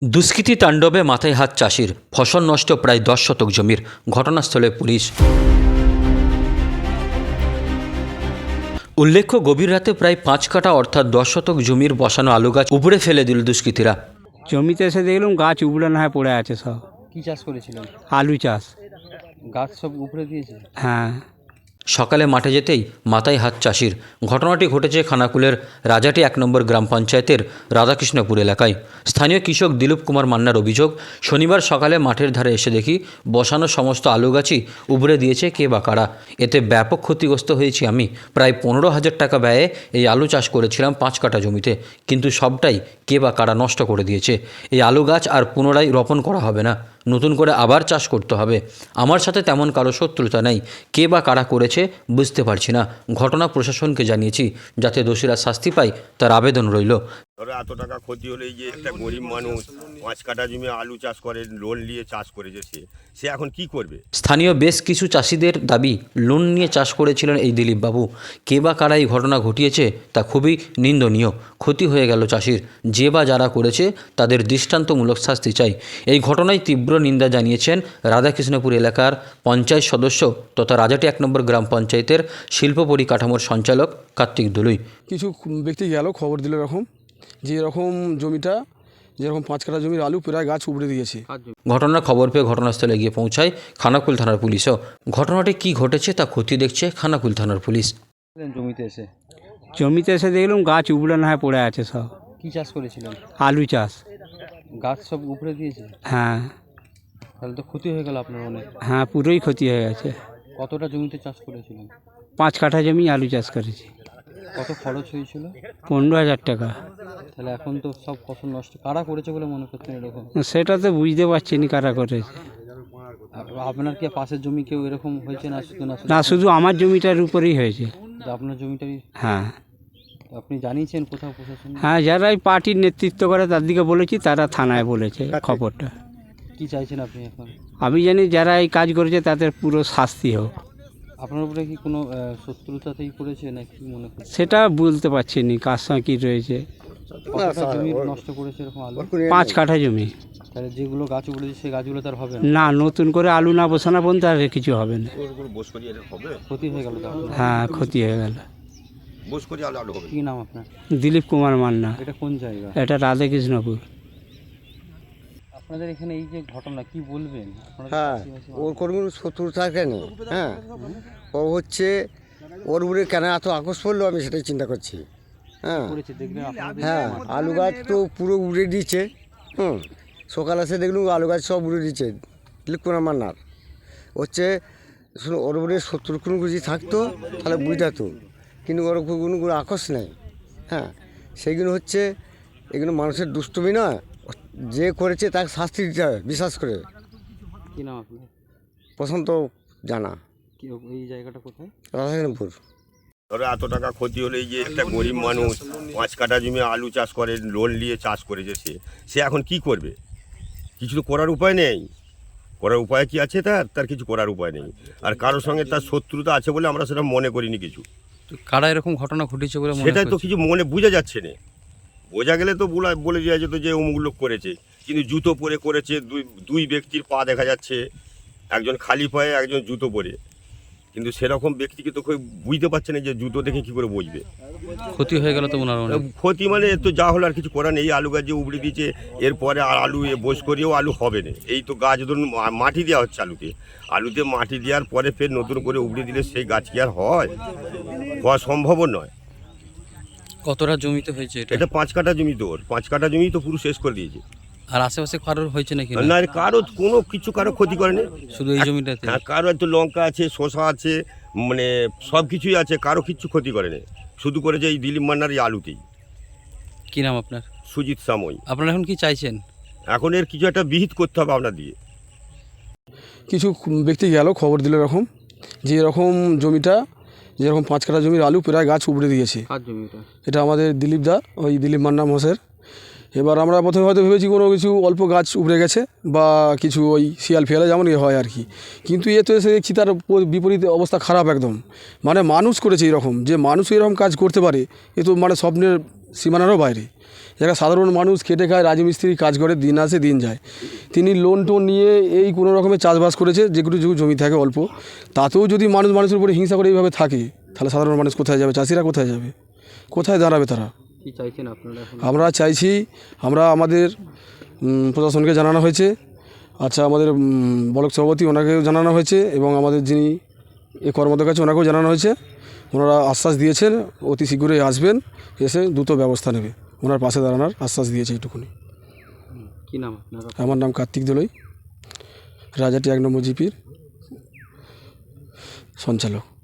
দুষ্কৃতী তাণ্ডবে মাথায় হাত চাষির, ফসল নষ্ট প্রায় 10 শতক জমির। ঘটনাস্থলে পুলিশ। উল্লেখ্য, গভীর রাতে প্রায় 5 কাঠা অর্থাৎ 10 শতক জমির বসানো আলু গাছ উপড়ে ফেলে দিল দুষ্কৃতীরা। জমিতে এসে দেখলাম গাছ উবড়ানো হয়ে পড়ে আছে সব। কি চাষ করেছিলেন? আলু চাষ। গাছ সব উপড়ে দিয়েছে? হ্যাঁ। সকালে মাঠে যেতেই মাথায় হাত চাষির। ঘটনাটি ঘটেছে খানাকুলের রাজাটি 1 নম্বর গ্রাম পঞ্চায়েতের রাধাকৃষ্ণপুর এলাকায়। স্থানীয় কৃষক দিলীপ কুমার মান্নার অভিযোগ, শনিবার সকালে মাঠের ধারে এসে দেখি বসানো সমস্ত আলু গাছই উবড়ে দিয়েছে কে বা কারা। এতে ব্যাপক ক্ষতিগ্রস্ত হয়েছি আমি। প্রায় 15,000 টাকা ব্যয়ে এই আলু চাষ করেছিলাম 5 কাঠা জমিতে, কিন্তু সবটাই কে বা কারা নষ্ট করে দিয়েছে। এই আলু গাছ আর পুনরায় রোপণ করা হবে না, নতুন করে আবার চাষ করতে হবে। আমার সাথে তেমন কারো শত্রুতা নেই, কে বা কারা করেছে বুঝতে পারছি না। ঘটনা প্রশাসনকে জানিয়েছি, যাতে দোষীরা শাস্তি পায় তার আবেদন রইল। ধরো এত টাকা ক্ষতি হলে এই যে একটা গরিব মানুষ 5 কাঠা জমি আলু চাষ করে, লোন নিয়ে চাষ করেছে, সে এখন কি করবে? স্থানীয় বেশ কিছু চাষিদের দাবি, লোন নিয়ে চাষ করেছিলেন এই দিলীপবাবু। কে বা কারা এই ঘটনা ঘটিয়েছে তা খুবই নিন্দনীয়। ক্ষতি হয়ে গেল চাষির। যে বা যারা করেছে তাদের দৃষ্টান্তমূলক শাস্তি চাই। এই ঘটনায় তীব্র নিন্দা জানিয়েছেন রাধাকৃষ্ণপুর এলাকার পঞ্চায়েত সদস্য তথা রাজাটি 1 নম্বর গ্রাম পঞ্চায়েতের শিল্প পরিকাঠামোর সঞ্চালক কার্তিক দলুই। কিছু ব্যক্তি গেল, খবর দিল এরকম যে এরকম জমিটা, যেরকম 5 কাঠা জমির আলু প্রায় গাছ উপড়ে দিয়েছে। ঘটনার খবর পেয়ে ঘটনাস্থলে গিয়ে পৌঁছায় খানাকুল থানার পুলিশও। ঘটনাটি কী ঘটেছে তা খতিয়ে দেখছে খানাকুল থানার পুলিশ। জমিতে এসে দেখলাম গাছ উবড়ানো হয়ে পড়ে আছে সব। কি চাষ করেছিলেন? আলু চাষ। গাছ সব উপড়ে দিয়েছে? হ্যাঁ। তাহলে তো ক্ষতি হয়ে গেল আপনার অনেক। হ্যাঁ, পুরোই ক্ষতি হয়ে গেছে। কতটা জমিতে চাষ করেছিলেন? 5 কাঠা জমি আলু চাষ করেছি। কত খরচ হয়েছিল? 15,000 টাকা। তাহলে এখন তো সব ফসল নষ্ট। কারা করেছে বলে মনে করছেন এরকম? সেটা তো বুঝতে পারছি না কারা করেছে। আপনার কি পাশের জমি কেউ এরকম হয়েছে না? না, শুধু আমার জমিটার উপরেই হয়েছে। আপনার জমিটাই? হ্যাঁ। আপনি জানিয়েছেন কোথাও প্রশাসন? হ্যাঁ, যারা এই পার্টির নেতৃত্ব করে তার দিকে বলেছি, তারা থানায় বলেছে খবরটা। কি চাইছেন আপনি এখন? আমি জানি যারা এই কাজ করেছে তাদের পুরো শাস্তি হোক। আপনার উপরে কি কোনো শত্রুতাতেই করেছে না কি মনে করছেন? সেটা বলতে পারছি না কার সঙ্গে কী রয়েছে। কতটা জমি নষ্ট করেছে এরকম আলু? 5 কাঠা জমি। তাহলে যেগুলো গাছ উঠেছে সেই গাছগুলো তার হবে না? না, নতুন করে আলু না বসানো পর্যন্ত আর কিছু হবে না। ক্ষতি হয়ে গেল তো আপনার? হ্যাঁ, ক্ষতি হয়ে গেল। কি নাম আপনার? দিলীপ কুমার মান্না। এটা কোন জায়গা? এটা রাধাকৃষ্ণপুর। আপনাদের এখানে এই যে ঘটনা কি বলবেন? হ্যাঁ, ওর কোনো শত্রু থাকে না। হ্যাঁ, ও হচ্ছে ওর উপরে কেন এত আকর্ষ করলো আমি সেটাই চিন্তা করছি। হ্যাঁ হ্যাঁ, আলু গাছ তো পুরো উড়ে দিচ্ছে। সকাল এসে দেখলুম আলু গাছ সব উড়ে দিচ্ছে। দিলীপ কুমার মান্নার হচ্ছে, শুনো, ওর উপরে শত্রু কোনো কিছু থাকতো তাহলে বুঝাতো, কিন্তু ওর কোনো আকর্ষ নেই। হ্যাঁ, সেইগুলো হচ্ছে, এগুলো মানুষের দুষ্টুমি নয়, যে করেছে তাকে শাস্তি দিতে হবে বিশ্বাস করে। কি নাম আপনার? প্রশান্ত জানা। কি এই জায়গাটা কোথায়? রাধাকৃষ্ণপুর। ধরো এত টাকা ক্ষতি হলে এই যে একটা গরিব মানুষ 5 কাঠা জমি আলু চাষ করে, লোন নিয়ে চাষ করেছে, সে এখন কি করবে? কিছু তো করার উপায় নেই। করার উপায় কি আছে? তার কিছু করার উপায় নেই। আর কারোর সঙ্গে তার শত্রুতা আছে বলে আমরা সেটা মনে করিনি কিছু। কারা এরকম ঘটনা ঘটেছে বলে মনে সেটাই তো কিছু মনে বোঝা যাচ্ছে না। বোঝা গেলে তো বলে দেওয়া যেত যে অমুক লোক করেছে, কিন্তু জুতো পরে করেছে। দুই ব্যক্তির পা দেখা যাচ্ছে, একজন খালি পায়ে, একজন জুতো পরে, কিন্তু সেরকম ব্যক্তিকে তো বুঝতে পারছে না যে জুতো দেখে কী করে বুঝবে। ক্ষতি হয়ে গেল তো ওনার অনেক। ক্ষতি মানে তো যা হলো আর কিছু করার নেই। আলু গাছ যে উবড়ে দিয়েছে, এরপরে আর আলু বোস করেও আলু হবে না। এই তো গাছ ধরুন মাটি দেওয়া হচ্ছে আলুতে মাটি দেওয়ার পরে ফের নতুন করে উবড়ে দিলে সেই গাছ কি আর হয়? হওয়া সম্ভব নয়। কতটা জমিতে হয়েছে এটা 5 কাঠা জমি, তো ওর 5 কাঠা জমি তো পুরো শেষ করে দিয়েছে। আর আশেপাশে কারোর হয়েছে নাকি? না, কারো কোনো কিছু কারো ক্ষতি করেনি, শুধু এই জমিটাতে। হ্যাঁ, কারো একটু লঙ্কা আছে, শসা আছে, মানে সব কিছুই আছে, কারো কিচ্ছু ক্ষতি করেনি। শুধু করেছে এই দিলীপ মান্নার এই আলুতেই। কি নাম আপনার? সুজিত সাময়ী। আপনারা এখন কি চাইছেন? এখন এর কিছু একটা বিহিত করতে হবে আপনার দিয়ে। কিছু ব্যক্তি গেল, খবর দিল এরকম যে এরকম জমিটা, যেরকম 5 কাঠা জমির আলু প্রায় গাছ উপড়ে দিয়েছে। কার জমি এটা? এটা আমাদের দিলীপ দা, ওই দিলীপ মান্না মহাশয়ের। এবার আমরা প্রথমে হয়তো ভেবেছি কোনো কিছু অল্প গাছ উপড়ে গেছে বা কিছু ওই শিয়াল ফিয়ালে যেমন হয় আর কি, কিন্তু এ তো এসে দেখছি তার বিপরীত অবস্থা খারাপ একদম। মানে মানুষ করেছে এরকম, যে মানুষ এরকম কাজ করতে পারে এ তো মানে স্বপ্নের সীমানারও বাইরে। যারা সাধারণ মানুষ খেটে খায়, রাজমিস্ত্রি কাজ করে, দিন আসে দিন যায়, তিনি লোন টোন নিয়ে এই কোনো রকমের চাষবাস করেছে, যেগুলো জমি থাকে অল্প, তাতেও যদি মানুষের উপরে হিংসা করে এইভাবে থাকে, তাহলে সাধারণ মানুষ কোথায় যাবে? চাষিরা কোথায় যাবে? কোথায় দাঁড়াবে তারা? কি চাইছেন আপনারা এখন? আমরা চাইছি, আমাদের প্রশাসনকে জানানো হয়েছে, আচ্ছা আমাদের ব্লক সভাপতি ওনাকেও জানানো হয়েছে, এবং আমাদের যিনি এই কর্মকর্তার কাছে ওনাকেও জানানো হয়েছে। ওনারা আশ্বাস দিয়েছেন অতি শীঘ্রই আসবেন, এসে দ্রুত ব্যবস্থা নেবে, ওনার পাশে দাঁড়ানোর আশ্বাস দিয়েছে এইটুকুনি। কি নাম আপনার? আমার নাম কার্তিক দোলই, রাজাটি 1 নম্বর জিপির সঞ্চালক।